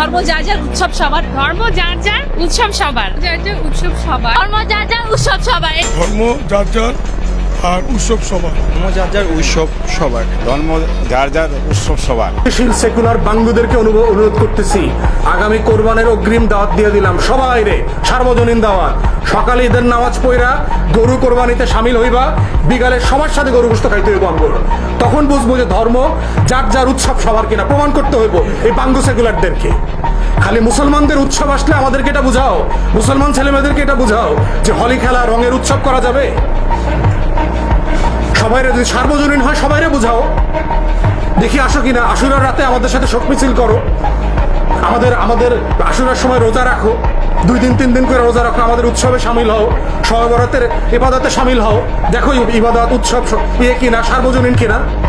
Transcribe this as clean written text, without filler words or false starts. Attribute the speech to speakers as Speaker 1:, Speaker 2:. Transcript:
Speaker 1: ধর্ম যার যার উৎসব সবার,
Speaker 2: ধর্ম যার যার উৎসব সবার, যার যার উৎসব সবার,
Speaker 1: ধর্ম যার যার উৎসব সবার।
Speaker 3: ধর্ম যার যার আর উৎসব সবার।
Speaker 4: ধর্ম যার যার উৎসব সবার।
Speaker 5: ধর্ম যার যার উৎসব সবার।
Speaker 6: সেকুলার বাঙ্গুদেরকে অনুরোধ করতেছি, আগামী কোরবানের অগ্রিম দাওয়াত দিয়ে দিলাম সবাই রে, সার্বজনীন দাওয়াত। সকালে ঈদের নামাজ পড়া গরু কোরবানিতে সামিল হইবা, বিকালে সবার সাথে গরু গোশত খাইতে হইব আমগুলো। তখন বুঝবো যে ধর্ম যার যার উৎসব সবার কিনা, প্রমাণ করতে হইব এই বাঙ্গু সেকুলারদেরকে। খালি মুসলমানদের উৎসব আসলে আমাদেরকে এটা বুঝাও, মুসলমান ছেলেমেয়েদেরকে এটা বুঝাও যে হোলি খেলা রঙের উৎসব করা যাবে। সবাইরে যদি সার্বজনীন হয় সবাইরে বুঝাও, দেখি আসো কিনা। আশুরার রাতে আমাদের সাথে শোক মিছিল করো, আমাদের আশুরার সময় রোজা রাখো, 2 দিন 3 দিন করে রোজা রাখো, আমাদের উৎসবে সামিল হও, শবে বরাতের ইবাদতে সামিল হও। দেখো ইবাদত উৎসব কিনা, সার্বজনীন কিনা।